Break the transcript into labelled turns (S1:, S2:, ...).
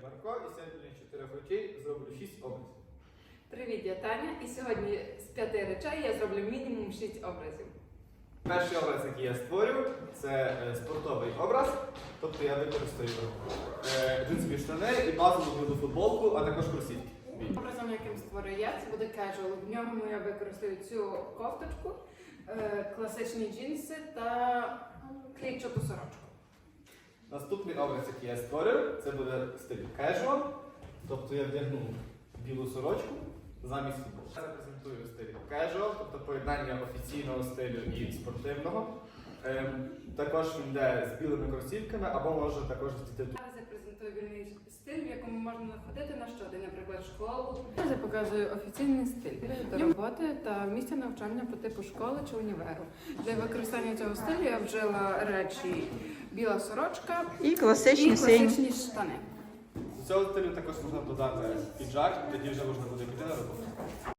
S1: Марко, і сьогодні на 4 речей зроблю 6 образів.
S2: Привіт, я Таня, і сьогодні з 5 речей я зроблю мінімум 6 образів.
S1: Перший образ, який я створю, це спортовий образ. Тобто я використаю джинсові штани і базову білу футболку, а також кросівки.
S2: Образом, яким створю я, це буде casual. В ньому я використаю цю кофточку, класичні джинси та клітчату сорочку.
S1: Наступний образ, який я створю, це буде стиль casual. Тобто я вдягну білу сорочку замість футболки. Я репрезентую стиль casual, тобто поєднання офіційного стилю і спортивного. Також він йде з білими кросівками, або може також з дітей.
S2: Зараз я презентую вільний стиль, в якому можна ходити на щодень, наприклад, школу. Зараз я показую офіційний стиль до роботи та місця навчання по типу школи чи універу. Для використання цього стилю я вжила речі біла сорочка
S3: І класичні сині.
S2: штани.
S1: До цього стилю також можна додати піджак, тоді вже можна буде піти на роботу.